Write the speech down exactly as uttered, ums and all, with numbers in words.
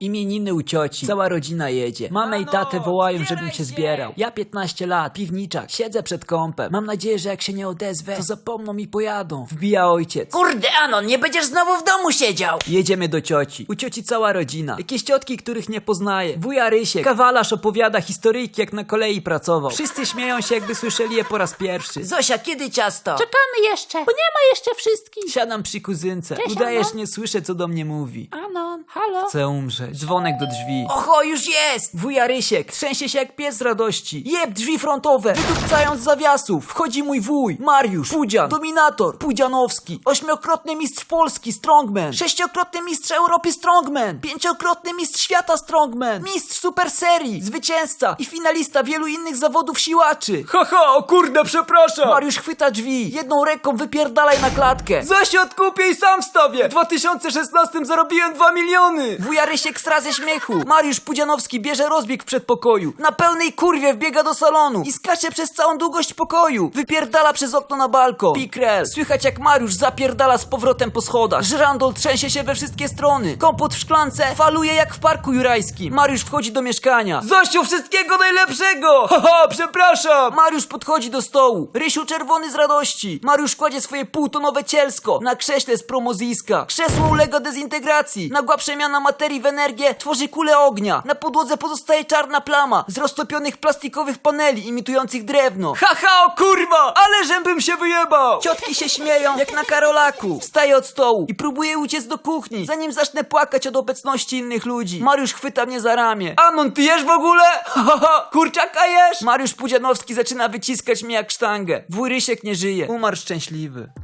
Imieniny u cioci, cała rodzina jedzie. Mamę i tatę wołają, żebym się zbierał. Ja piętnaście lat, piwniczak, siedzę przed kąpem. Mam nadzieję, że jak się nie odezwę, to zapomną i pojadą. Wbija ojciec. Kurde, Anon, nie będziesz znowu w domu siedział! Jedziemy do cioci. U cioci cała rodzina. Jakieś ciotki, których nie poznaję. Wuja Rysiek. Kawalarz opowiada historyjki, jak na kolei pracował. Wszyscy śmieją się, jakby słyszeli je po raz pierwszy. Zosia, kiedy ciasto? Czekamy jeszcze, bo nie ma jeszcze wszystkich. Siadam przy kuzynce. Cześć, Udajesz, Anon. nie słyszę, co do mnie mówi. Anon, halo? Chcę umrzeć. Dzwonek do drzwi. Oho, już jest! Wuja Rysiek trzęsie się jak pies z radości. Jeb drzwi frontowe, wydupcając z zawiasów. Wchodzi mój wuj, Mariusz, Pudzian, Dominator, Pudzianowski, ośmiokrotny mistrz Polski, Strongman, sześciokrotny mistrz Europy Strongman, pięciokrotny mistrz świata Strongman, mistrz super serii, zwycięzca i finalista wielu innych zawodów siłaczy. Haha, o kurde, przepraszam. Mariusz chwyta drzwi, jedną ręką wypierdalaj na klatkę. Zaś odkupię i sam wstawię. W dwa tysiące szesnastym zarobiłem dwa miliony. Wuja Rysiek stra ze śmiechu. Mariusz Pudzianowski bierze rozbieg w przedpokoju. Na pełnej kurwie wbiega do salonu i skacze przez całą długość pokoju. Wypierdala przez okno na balkon. Pikrel. Słychać jak Mariusz zapierdala z powrotem po schodach. Żyrandol trzęsie się we wszystkie strony. Kompot w szklance faluje jak w parku jurajskim. Mariusz wchodzi do mieszkania. Zosiu, wszystkiego najlepszego! Haha, przepraszam! Mariusz podchodzi do stołu. Rysiu czerwony z radości. Mariusz kładzie swoje półtonowe cielsko na krześle z promoziska. Krzesło ulega dezintegracji. Nagła przemiana materii w energię tworzy kulę ognia. Na podłodze pozostaje czarna plama z roztopionych plastikowych paneli imitujących drewno. Haha, o kurwa! Ale żebym się wyjebał! Ciotki się śmieją jak na Karolaku. Wstaję od stołu i próbuję uciec do kuchni, zanim zacznę płakać od obecności innych ludzi. Mariusz chwyta mnie za ramię. Anon, ty jesz w ogóle? Haha, kurczaka jesz? Mariusz Pudzianowski zaczyna wyciskać mnie jak sztangę. Wuj Rysiek nie żyje. Umarł szczęśliwy.